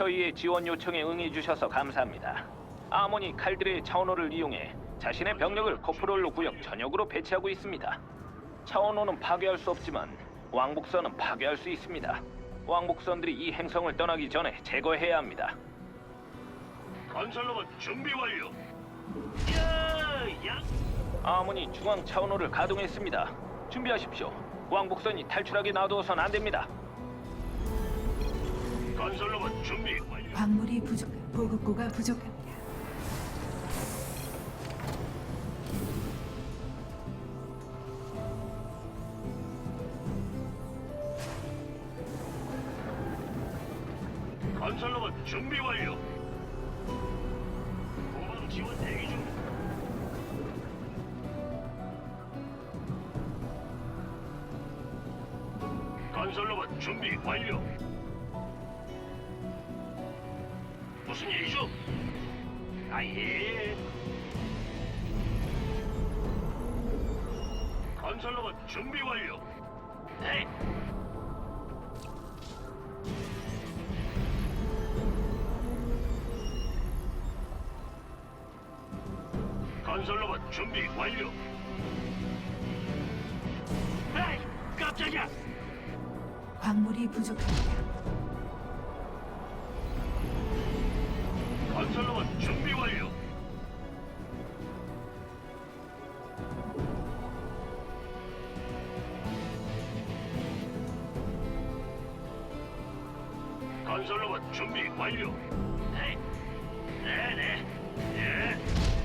저희의 지원 요청에 응해주셔서 감사합니다. 아모니 칼들의 차원호를 이용해 자신의 병력을 코프롤로 구역 전역으로 배치하고 있습니다. 차원호는 파괴할 수 없지만 왕복선은 파괴할 수 있습니다. 왕복선들이 이 행성을 떠나기 전에 제거해야 합니다. 건설로봇 준비 완료. 야! 아모니 중앙 차원호를 가동했습니다. 준비하십시오. 왕복선이 탈출하게 놔두어선 안 됩니다. 건설로봇 준비 완료. 광물이 보급고가 부족합니다. 건설로봇 준비 완료. 후방 지원 대기 중. 건설로봇 준비 완료. 무슨 일이죠? 아예. 건설로봇 준비 완료. 네. 건설로봇 준비 완료. 에이, 깜짝이야. 광물이 부족합니다. 건설로봇 준비 완료. 건설로봇 준비 완료. 네, 네, 네.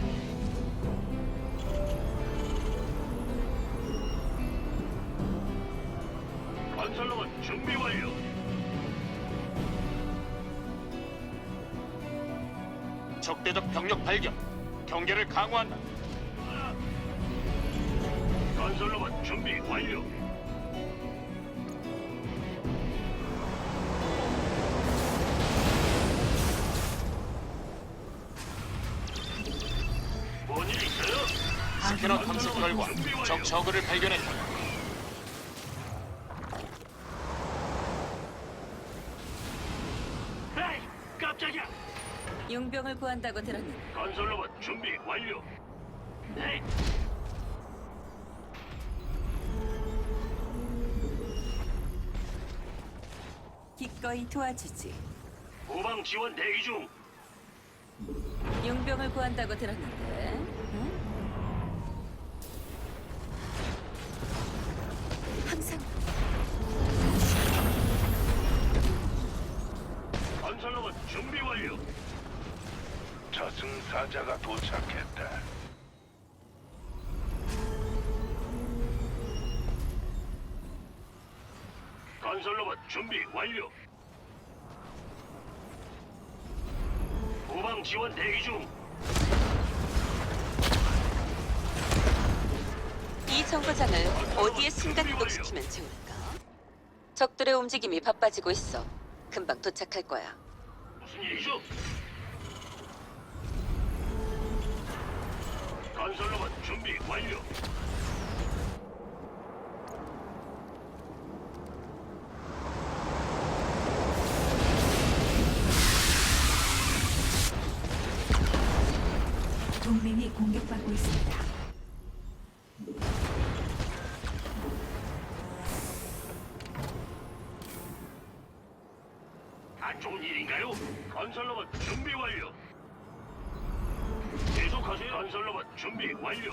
건설로봇 준비 완료. 적대적 병력 발견. 경계를 강화한다. 건설로봇 준비 완료. 뭔 일 있어요? 스캐너 탐색 결과 적 저그를 발견했다. 에이, 깜짝이야. 용병을 구한다고 들었는데 건설로봇 준비 완료. 네. 기꺼이 도와주지. 후방 지원 대기 중. 용병을 구한다고 들었는데 응? 항상 건설로봇 준비 완료. 저승사자가 도착했다. 건설로봇 준비 완료. 후방 지원 대기 중. 이 정거장을 어디에 순간 이동시키면 좋을까? 적들의 움직임이 바빠지고 있어. 금방 도착할 거야. 무슨 일이죠? 건설로봇 준비 완료. 동맹이 공격받고 있습니다. 안 좋은 일인가요? 건설로봇 준비 완료. 계속하세요. 건설로봇 준비 완료.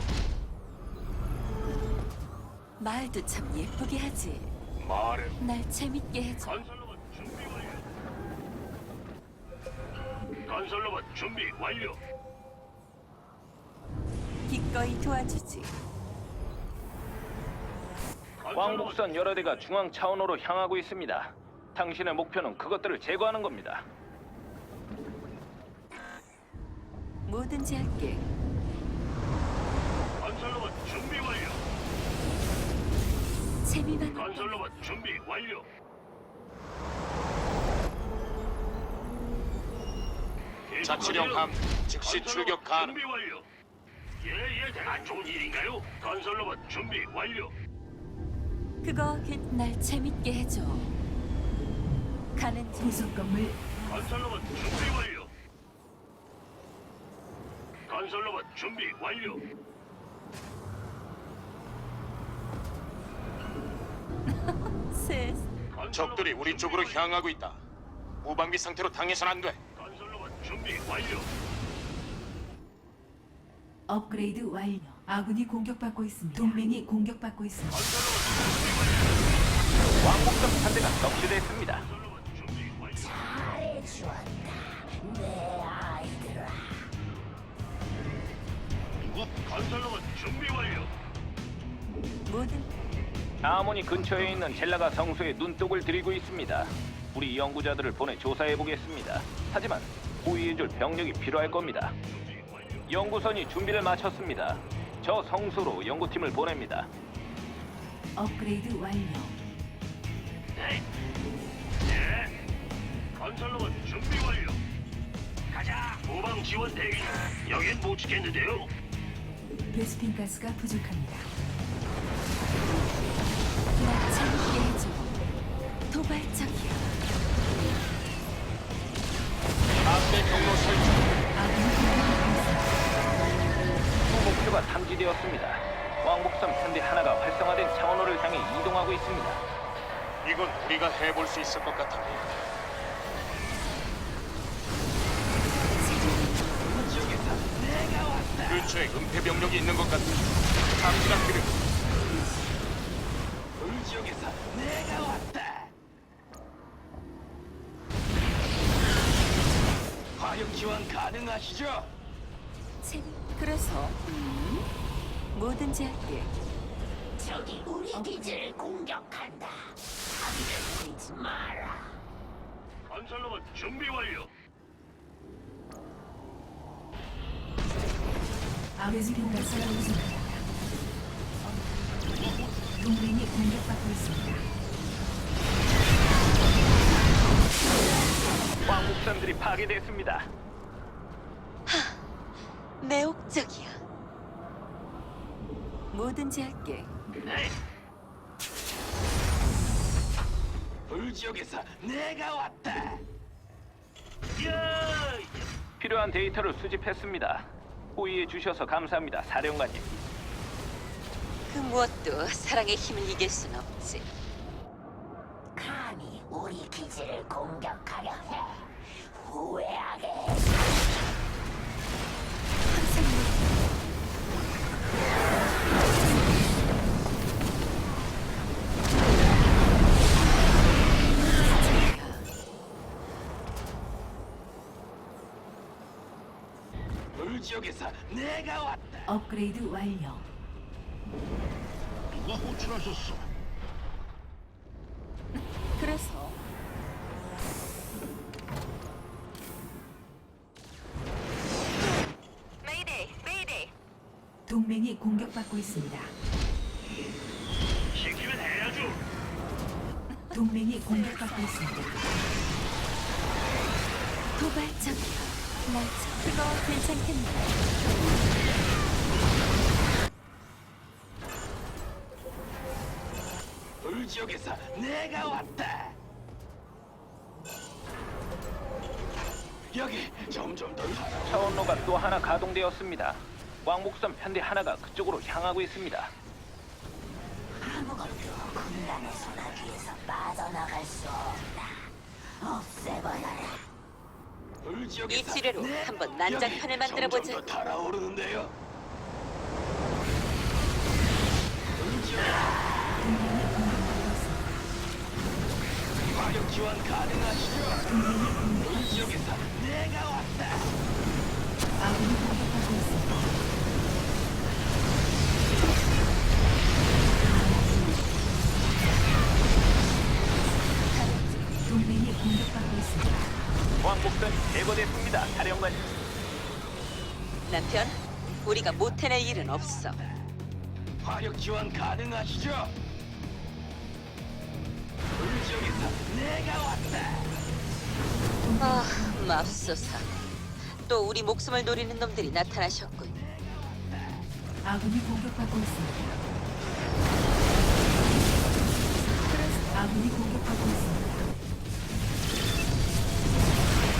말도 참 예쁘게 하지. 말해. 날 재밌게 해줘. 건설로봇 준비 완료. 건설로봇 준비 완료. 기꺼이 도와주지. 왕복선 여러 대가 중앙 차원호로 향하고 있습니다. 당신의 목표는 그것들을 제거하는 겁니다. 뭐든지 할게. 건설로봇 준비 완료. 재미만 건설로봇 준비 완료. 자치령 함 즉시 출격 가능. 준비 완료. 예예, 안 좋은 일인가요? 건설로봇 준비 완료. 그거 날 재밌게 해줘. 가는 중. 부속 건물 건설로봇 준비 완료. 건설로봇 준비 완료. 적들이 우리 쪽으로 향하고 있다. 무방비 상태로 당해선 안 돼. 건설로봇 준비 완료. 업그레이드 완료. 아군이 공격받고 있습니다. 동맹이 공격받고 있습니다. 왕복선 편대가 격추됐습니다. 건설로봇 준비 완료. 건설로봇 준비 완료. 아모니 근처에 있는 젤라가 성소에 눈독을 들이고 있습니다. 우리 연구자들을 보내 조사해 보겠습니다. 하지만 호위해줄 병력이 필요할 겁니다. 연구선이 준비를 마쳤습니다. 저 성소로 연구팀을 보냅니다. 업그레이드 완료. 네. 예. 건설로봇 준비 완료. 가자. 모방 지원 대기. 여긴 못 지켰는데요. 베스핀 가스가 부족합니다. 도발적이야. 앞대 경로 설정. 아군이 공격받고 있습니다. 주 목표가 탐지되었습니다. 왕복선 편대 하나가 활성화된 차원호를 향해 이동하고 있습니다. 이건 우리가 해볼 수 있을 것 같아. 근처에 은폐 병력이 있는 것 같아. 탐지가 필요해. 지역에서 내가 왔다. 화력 지원 가능하시죠? 그래서 뭐든지 할게. 적이 우리 기지를 공격한다. 자기를 보이지 마라. 건설로봇 준비 완료. 베스핀 가스가 부족합니다. 동맹이 공격받고 있습니다. 왕복선들이 파괴됐습니다. 매혹적이야. 뭐든지 할게. 네. 불지역에서 내가 왔다. 야! 필요한 데이터를 수집했습니다. 호의해 주셔서 감사합니다, 사령관님. 그 무엇도 사랑의 힘을 이길 순 없지. 감히 우리 기지를 공격하려 해. 후회하게. 불지역에서 내가 왔다. 업그레이드 완료. 누가 호출하셨어? 그래서 동맹이 공격받고 있습니다. 시키면 해야죠. 동맹이 공격받고 있습니다. 도발적이야. 그거 괜찮겠네. 불지역에서 내가 왔다. 여기 점점 더 차원로가 또 하나 가동되었습니다. 왕복선 편대 하나가 그쪽으로 향하고 있습니다. 아무것도 군단의 소나기에서 빠져나갈 수 없다. 없애버려라. 이 지뢰로 한번 난장판을 만들어보자. 점점 더 달아오르는데요. 불지역 동맹이 공격받고 있습니다. 화력 지원 가능하시죠? 불지역에서 내가 왔다. 아군이 공격받고 있습니다. 동맹이 공격받고 있습니다. 왕복선이 제거됐습니다, 사령관님. 남편, 우리가 못 해낼 일은 없어. 화력 지원 가능하시죠? 불지역에서 내가 왔다. 아, 맙소사. 또 우리 목숨을 노리는 놈들이 나타나셨군. 아군이 공격받고 있습니다. 아군이 공격받고 있습니다.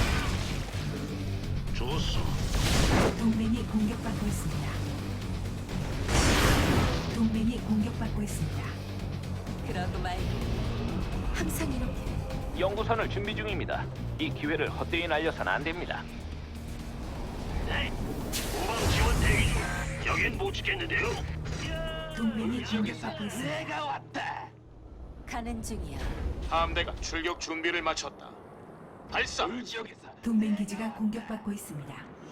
있습니다. 그러고 말고 항상 이렇게 연구선을 준비 중입니다. 이 기회를 헛되이 날려선 안 됩니다. 네. 후방 지원 대기 중. 여긴 못 지켰는데요. 동맹이 공격받고 있습니다. 가는 중이야. 함대가 출격 준비를 마쳤다. 발사. 동맹 기지가 공격받고 있습니다.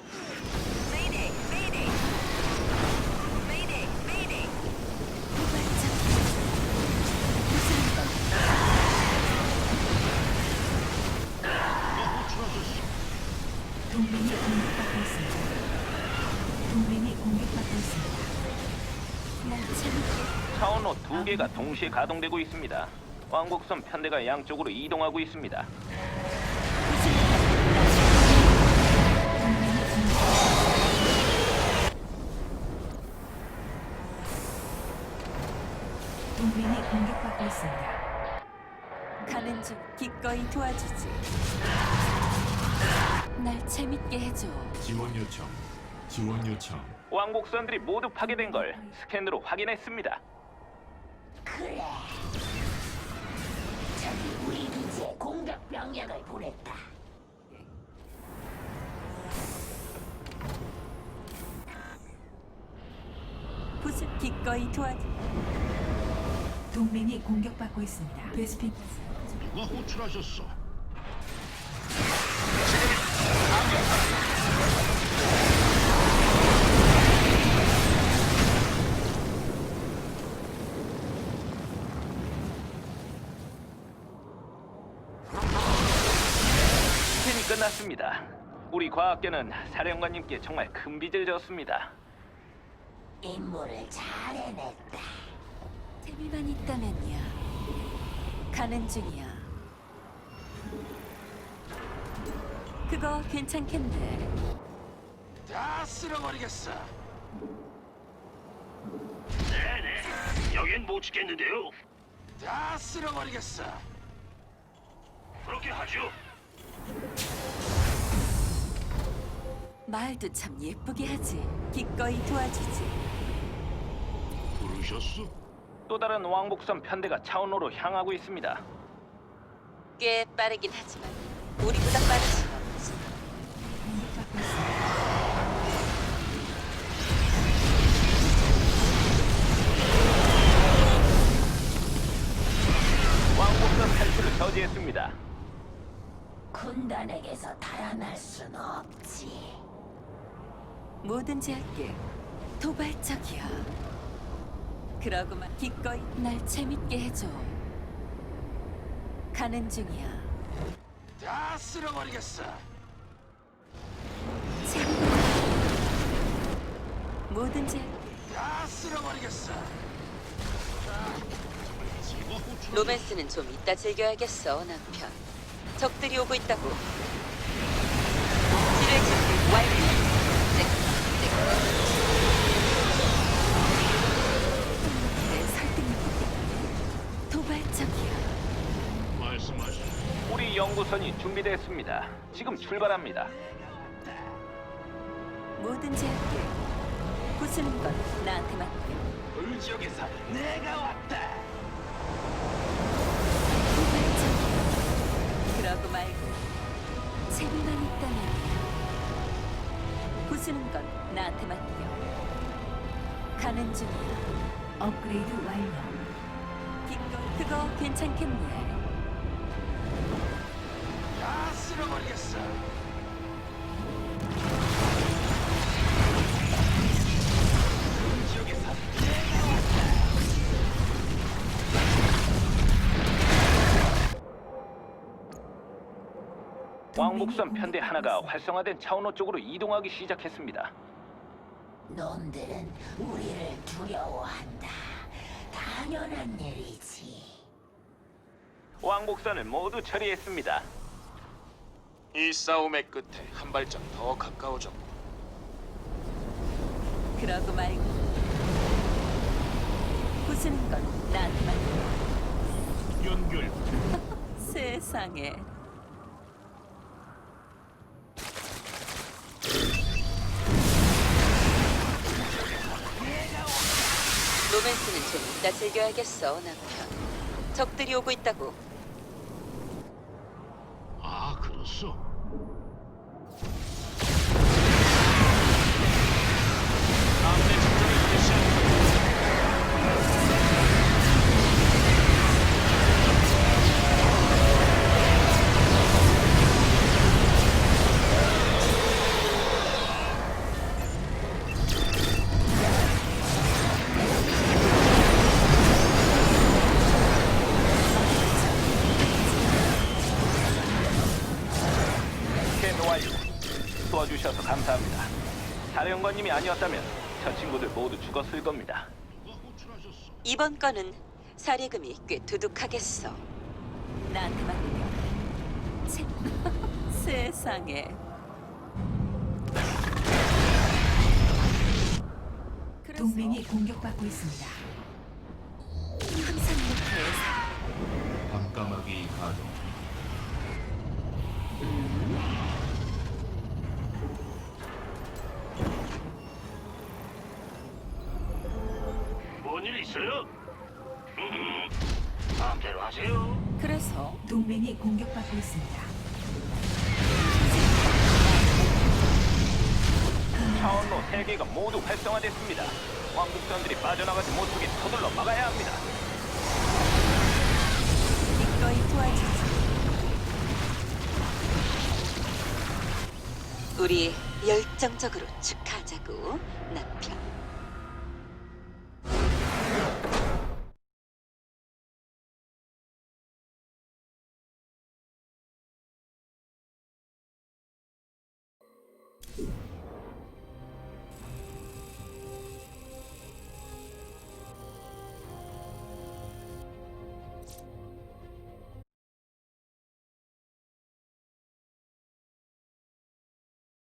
동맹이 공격받고 있습니다. 동맹이 공격받고 있습니다. 날 재밌게 차원호 2개가 동시에 가동되고 있습니다. 왕복선 편대가 양쪽으로 이동하고 있습니다. 동맹이 공격받고 있습니다. 가는 중 기꺼이 도와주지. 날 재밌게 해줘. 지원 요청. 지원 요청. 왕복선들이 모두 파괴된 걸 스캔으로 확인했습니다. 그래. 저기 우리 기지에 공격 병력을 보냈다. 무슨 기꺼이 도와줘. 동맹이 공격받고 있습니다. 베스핀 누가 호출하셨어? 스캔이 끝났습니다. 우리 과학계는 사령관님께 정말 큰 빚을 졌습니다. 임무를 잘 해냈다. 재미만 있다면야. 가는 중이야. 그거 괜찮겠네. 다 쓸어버리겠어. 네네. 여긴 못 지켰는데요. 다 쓸어버리겠어. 그렇게 하죠. 말도 참 예쁘게 하지. 기꺼이 도와주지. 부르셨어? 또 다른 왕복선 편대가 차원호로 향하고 있습니다. 꽤 빠르긴 하지만 우리보다 빠를 순 없지. 공격받고 있습니다. 왕복선 탈출을 저지했습니다. 군단에게서 달아날 순 없지. 뭐든지 할게. 도발적이야. 그러고만 기꺼이 날 재밌게 해줘. 가는 중이야. 다 쓸어버리겠어. 재밌게. 뭐든지 할게. 다 쓸어버리겠어. 로맨스는 좀 이따 즐겨야겠어, 남편. 적들이 오고 있다고. 지뢰 준비 완료. 내 설득력 도발적이야. 말씀하시오. 우리 연구선이 준비됐습니다. 지금 출발합니다. 뭐든지 할게. 부수는 건 나한테 맡겨. 울지역에서 내가 왔다. 도발적이야. 그러고 말고 재미만 있다면 부수는 건 나한테 맡겨. 가는 중이야. 업그레이드 완료. 그거 괜찮겠네. 다 쓸어버리겠어. 울지역에서 내가 왔다. 왕복선 편대 하나가 활성화된 차원호 쪽으로 이동하기 시작했습니다. 놈들은 우리를 두려워한다. 당연한 일이지. 왕복선을 모두 처리했습니다. 이 싸움의 끝에 한 발짝 더 가까워졌고 그러고 말고 부수는 건 나한테 맡겨. 연결. 세상에. 로맨스는 좀 이따 즐겨야겠어, 남편. 적들이 오고 있다고. 아, 그렇소. 아군의 집중을 개시합니다. 스캔 완료. 도와주셔서 감사합니다. 사령관님이 아니었다면 저 친구들 모두 죽었을 겁니다. 누가 호출하셨어? 이번 건은 사례금이 꽤 두둑하겠어. 나한테 맡겨. 세상에. 동맹이 공격받고 있습니다. 항상 이렇게 밤까마귀 가동. 뭔 일 있어요? 마음대로 하세요. 그래서 동맹이 공격받고 있습니다. 차원로 3개가 모두 활성화됐습니다. 왕복선들이 빠져나가지 못하게 서둘러 막아야 합니다. 기꺼이 도와주지. 우리 열정적으로 축하하자고, 남편.